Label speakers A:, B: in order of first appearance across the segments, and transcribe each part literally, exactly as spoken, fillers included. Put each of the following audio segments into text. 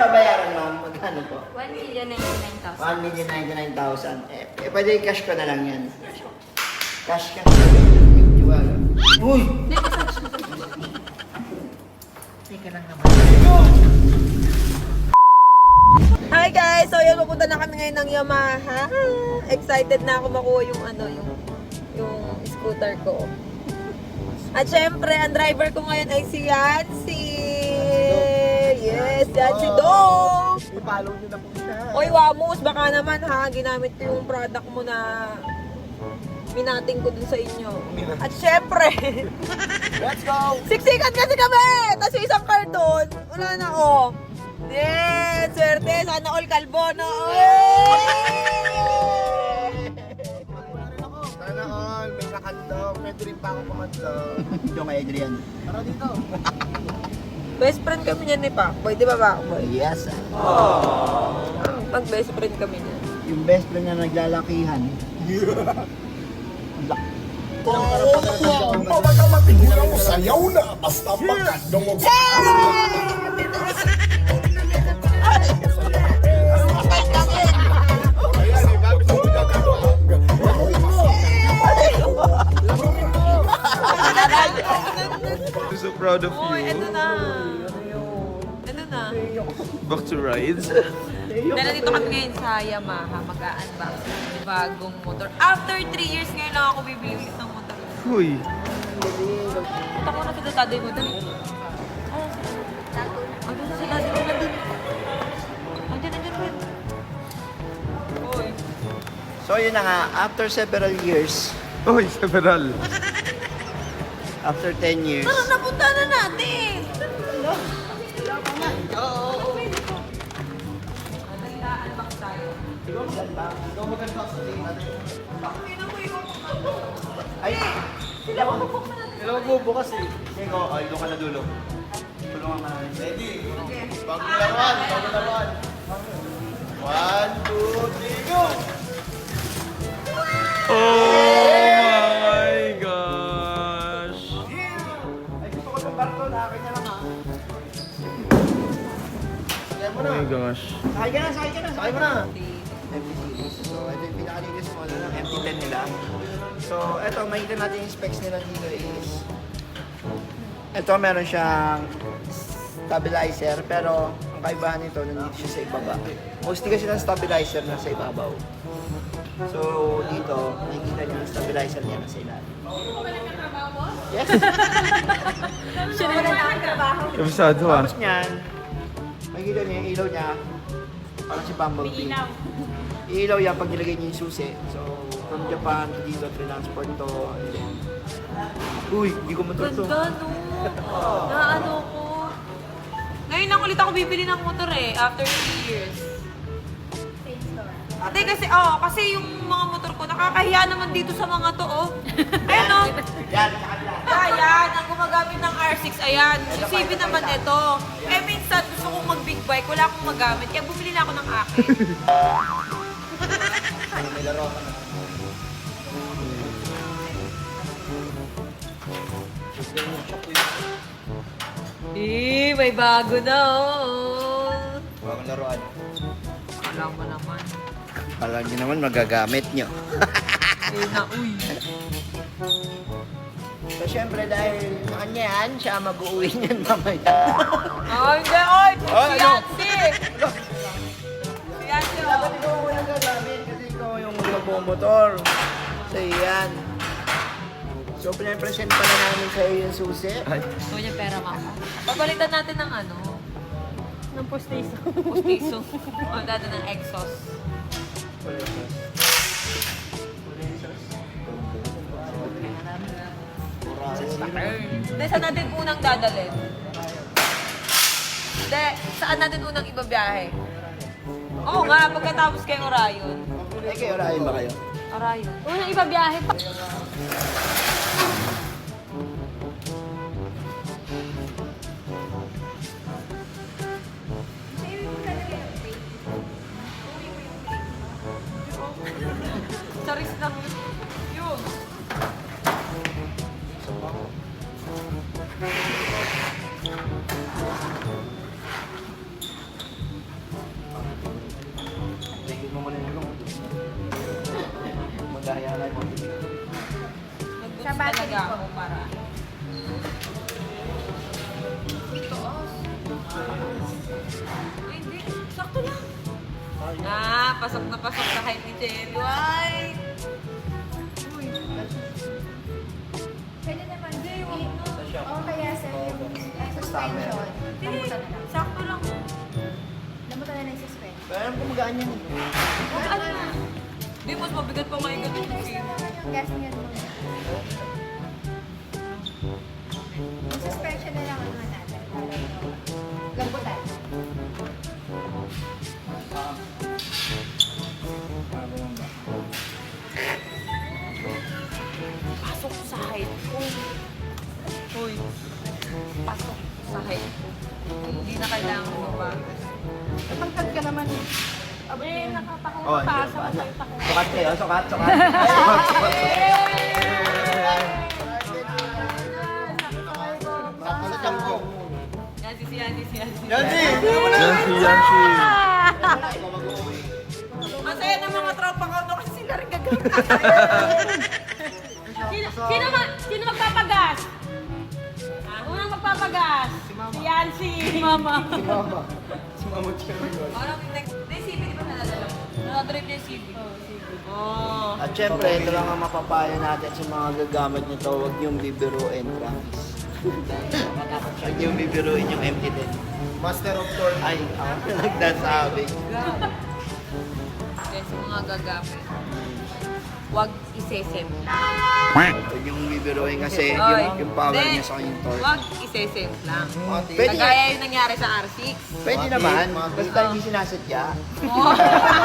A: babayaran, ma'am? Magkano po?
B: one million ninety-nine thousand.
A: one million ninety-nine thousand. Eh, eh, pwede cash ko na lang yan. Cash ka. Tiwala. Uy! Teka lang naman.
C: Hi guys! So yun, pupunta na kami ngayon ng Yamaha. Excited na ako makuha yung ano, yung yung scooter ko. At syempre, ang driver ko ngayon ay si Yancy. Yes, Yancy Dong!
A: I-follow nyo na po siya.
C: Oy, Wamus, baka naman ha, ginamit ko yung product mo na minating ko dun sa inyo. At syempre,
A: Let's go!
C: siksikan kasi kami! Tapos yung isang karton, wala na oh. Yes, swerte, sana all kalbo na.
D: Sana all, may nakandog. Pwede rin pa ako kumadlog.
A: Yung kay Adrian.
D: Tara dito.
C: Best friend kami niyan ni Pakboy, di ba Pakboy?
A: Yes.
C: Mag best friend kami niyan.
A: Yung best friend na naglalakihan.
D: Pabaka matigulang mo, sayaw na. Basta makandong mo.
E: I'm so proud of
C: Uy, eto
E: you.
C: na. Eto na.
E: Back to rides.
C: Dahil nandito kami ngayon sa Yamaha, mag-unbox ng bagong motor. After three years ngayon lang ako bibili ulit ng motor.
E: Uy.
C: Punta ko na sa datado yung motor. Ano sa sila? Dito na dun. Andiyan, andiyan, andiyan. Uy.
A: So yun na nga, after several years,
E: Uy, several.
A: after ten years,
C: Tara, napunta na natin!
A: ay, sila magbubukas eh. Sige, ay, doon ka na dulo. Tulungan ka namin. Ready?
D: Bagong laruan, bagong laruan. One, two, three, go!
E: Oh my gosh.
A: Ay, gusto ko ng karton, akin na lang ha.
D: Sakay mo
E: Oh
D: na.
E: my gosh.
A: Sakay ka na, sakay ka na.
D: Sakay mo na.
A: M T series. So, ito yung pinaka-latest model ng M T ten nila. So, ito, makikita natin yung specs nila dito is ito, meron siyang stabilizer, pero ang kaibahan nito, nandito siya sa ibaba. Mostly kasi ng stabilizer na sa ibabaw. So, dito, nakikita niyo yung stabilizer niya na sa ilalim. Yes!
C: Siya na lang nagtrabaho.
E: Kabisado ah.
A: Tapos niyan, makikita niyo yung ilaw niya, parang si Bumblebee. Ilaw yan pag nilagay niyo yung susi. So, from Japan to dito, transport to. and then- Uy, hindi ko motor to.
C: Ganda, no? Naano ko. Ngayon lang ulit ako bibili ng motor eh, after three years. Ate, kasi, oh, kasi yung mga motor ko, nakakahiya naman dito sa mga to, oh. Ayan, oh.
A: Yan, sa kabila.
C: Ayan, ang gumagamit ng R six, ayan. Yung C V naman ito. Eh, minsan, gusto kong mag-big bike, wala akong magamit. Kaya bumili na ako ng akin.
A: May laro ka na.
C: Eh, may bago na, oh.
A: Bagong laruan.
C: Alam mo naman.
A: Alam niyo naman, magagamit niyo.
C: Eh, na, uy.
A: So, syempre, dahil sa kanya yan, siya mag-uwi niyan mamaya.
C: Ay, hindi, oy! Si
A: ano?
C: Yancy! Si Yancy, oh.
A: Dapat ikaw mo yung gagamit kasi ikaw yung magbumotor. So, yan. So, pinapresent pa na namin sa iyo yung susi.
C: Gusto niya pera, mama. Pagalitan natin ng ano?
B: Ng postiso.
C: Pustiso. O, dati ng exhaust. Hindi, saan natin unang dadalhin? Hindi, saan natin unang ibabiyahe? Oo nga, pagkatapos kay Orion.
A: Eh, kayo, rahin ba kayo?
C: Orion.
B: Unang ibabiyahe pa.
C: Charis lang yun. Yun.
A: gaya nga mo.
C: Nag-boost
B: Sa battery
C: talaga
B: po.
C: ako para. Ay, hindi. Sakto lang. Ah, pasok na pasok sa height ni Cherry White.
B: Pwede naman. O kaya sir, yung eh, suspension.
C: Hindi,
B: Lambutan na lang.
C: sakto lang.
B: Lambutan na lang yung suspension.
A: Pero alam ko magaan yan.
C: Huwag ano na. Hindi, mas mabigat pa ngayon ganun yung
B: Guys,
C: feel.
B: naman yung gas niya muna. Yung suspension na lang ano natin. Para lambutan.
C: Pasok sa height ko. Uy. Pasok sa height. Hindi na kailangan mabago.
B: Pagtag ka naman. Eh, nakatakong
A: Oh,
B: pa
A: hindi
B: sa
A: ba?
B: masayta ko.
A: Sukat kayo, sukat, sukat. Sukat, sukat.
D: Sa tiyan ko.
C: Yan si Yancy, si Yancy.
D: Yancy!
E: Yancy, Yancy.
C: Masaya ng mga tropa ko no kasi sila rin gagamit.
B: Sino, sino, ma, sino magpapagas? Unang magpapagas? Si Yancy. Si Mama.
A: Si mama. Si mama Cherry.
C: Parang next, na yung C V, di ba naladala? Nakadrive na yung C V. Oh.
A: At syempre, ito lang ang mapapayo natin sa mga gagamit nito. Huwag niyong bibiruin, promise. Huwag niyong bibiruin yung M T ten.
D: Master of Torn.
A: Ay, ako na nagdasabi.
C: Kasi mga gagamit. Huwag isesempla.
A: Huwag niyong bibiruin kasi
C: Oy,
A: yung, yung power
C: hindi.
A: niya sa kanyang torque.
C: Huwag isesempla.
A: Pwede,
C: Kagaya yung nangyari sa R six.
A: pwede naman, basta hindi sinasadya.
C: Oh.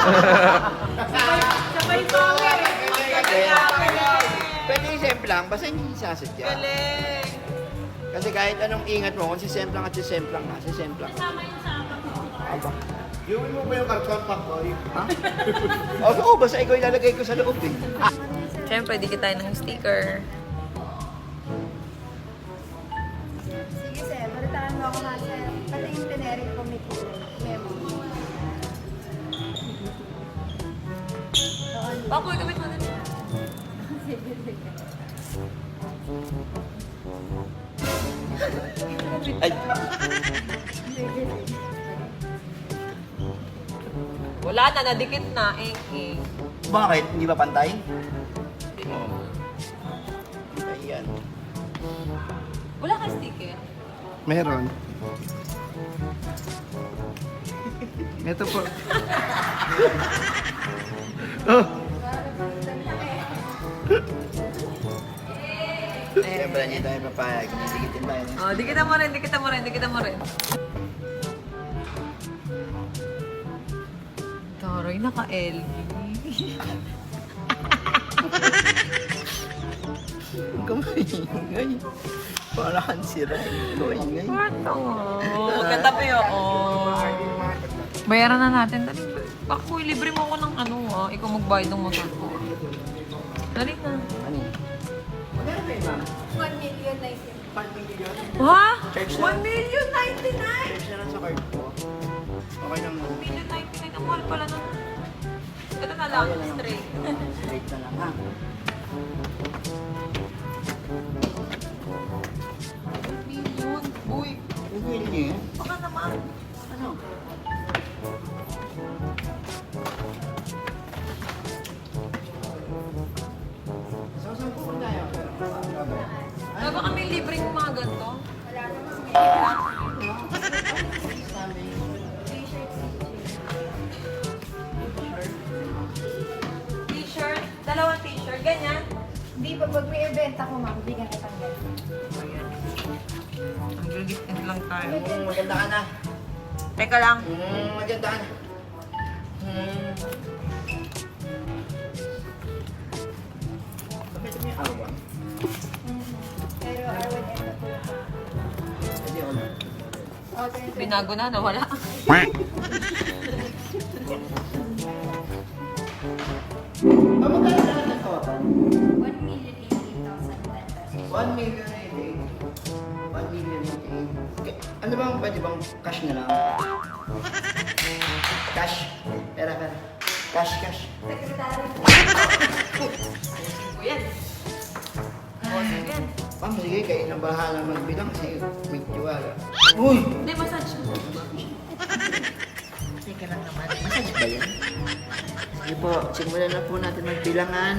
B: Sabay power.
A: Pwede i-semp lang, basta hindi sinasadya.
C: Galing!
A: Kasi kahit anong ingat mo, kung sisemplang at sisemplang nga, sisemplang.
B: Kasama yung sa
A: Aba.
D: Gawin mo ba yung karton pack ko?
A: Ha? Oo, oh, basta ikaw ilalagay ko sa loob eh.
C: Siyempre, dikit tayo ng sticker.
B: Sige sir, balitaan mo ako nga sir. Pati yung teneric ko may memo.
C: Bakoy, gamit mo din.
B: Sige, sige.
A: Ay,
B: Sige, sige.
C: Wala na, nadikit na. Eh, eh.
A: bakit? Hindi ba pantay? Oo. Ayan.
C: Wala kang sticker.
E: Meron. Ito po. Oh,
A: Siyempre, hindi tayo papayag. Nasigitin tayo.
C: Oh, dikitan mo rin, dikitan mo rin, dikitan mo rin. Taroy, naka-L V.
A: Huwag ka maingay. Para kang sira. Ikaw ingay.
C: Bato. Oh, katabi ako. Bayaran na natin. Dali. Ako, libre mo ako ng ano ah. Ikaw magbayad ng motor ko. Dali na.
A: Ano yun? Magkano ba yun, ma'am?
B: one million na isip.
A: five million?
C: Ha?
A: Charge na.
C: one million ninety-nine!
A: Charge na lang sa card ko. Okay lang mo.
C: one million ninety-nine. Ang mahal pala nun. Ito na lang, straight.
A: Straight na lang ha.
C: Million. Uy,
A: Yung wheel niyo yun?
C: baka naman.
A: Ano? So, saan pupunta tayo?
C: Ano ba kami libreng mga ganito? T-shirt, dalawang t-shirt, ganyan.
B: Hindi pa pag may event ako ma'am, bigyan kita ng ganun.
C: Ang gagit lang tayo.
A: Mm, maganda ka na.
C: Teka lang.
A: Mm, maganda ka na. Mm. Bakit may awa?
B: Pero I would end up with
A: Hindi ako na.
B: Oh, twenty.
C: Binago na, nawala.
A: Ah, magkano na lang total?
B: one million eighteen thousand pesos.
A: one million eighty-eight. one million eighty-eight. Okay. Ano bang pwede bang cash na lang? Cash? Pera, pera. Cash, cash.
C: Secretary. Ayusin ko yan. Oo, sige.
A: Ma'am, sige, kayo na bahala magbilang kasi may tiwala. Uy!
C: Hindi, massage mo.
A: Teka lang naman. Massage ba yan? Sige po, simulan na po natin magbilangan.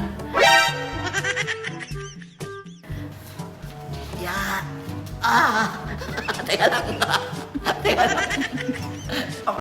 A: Ya! Ah! Teka lang. Teka lang.